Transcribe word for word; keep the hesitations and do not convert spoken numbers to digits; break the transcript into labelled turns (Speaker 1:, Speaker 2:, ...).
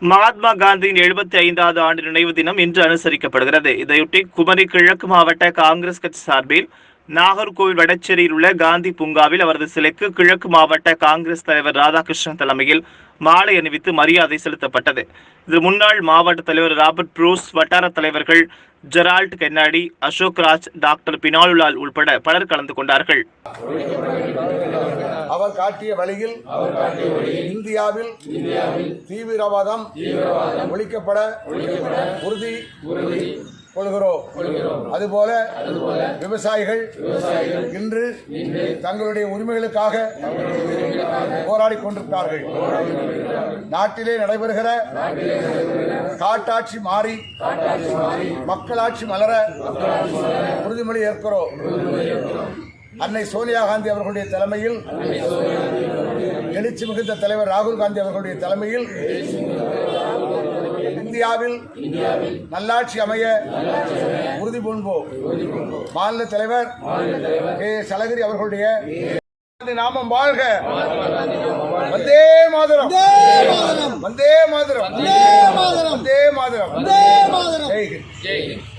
Speaker 1: மகாத்மா காந்தியின் எழுபத்தி ஐந்தாவது ஆண்டு நினைவு தினம் இன்று அனுசரிக்கப்படுகிறது. இதையொட்டி குமரி கிழக்கு மாவட்ட காங்கிரஸ் கட்சி சார்பில் நாகர்கோவில் வடச்சேரியில் உள்ள காந்தி பூங்காவில் அவரது சிலைக்கு கிழக்கு மாவட்ட காங்கிரஸ் தலைவர் ராதாகிருஷ்ணன் தலைமையில் மாலை அணிவித்து மரியாதை செலுத்தப்பட்டது. இதில் முன்னாள் மாவட்ட தலைவர் ராபர்ட் ப்ரூஸ், வட்டார தலைவர்கள் Gerald Kennedy, Ashok Raj, doctor Binalulal உள்பட பலர் கலந்து கொண்டார்கள்.
Speaker 2: அவர் காட்டிய வழியில் இந்தியாவில் தீவிரவாதம் ஒழிக்கப்பட உறுதி கொள்கிறோம். அதுபோல விவசாயிகள் இன்று தங்களுடைய உரிமைகளுக்காக போராடி கொண்டிருக்கிறார்கள். நாட்டிலே நடைபெறுகிற காட்டாட்சி மாறி மக்களாட்சி மலர உறுதிமொழி ஏற்கிறோம். அன்னை சோனியா காந்தி அவர்களுடைய தலைமையில், எழுச்சி மிகுந்த தலைவர் ராகுல் காந்தி அவர்களுடைய தலைமையில் இந்தியாவில் நல்லாட்சி அமைய உறுதி பூண்போம். மாநில தலைவர் கே சலகிரி அவர்களுடைய நாமம் வாழ்க. வந்தே மாதரம், வந்தே மாதரம், வந்தே மாதரம், வந்தே மாதரம்.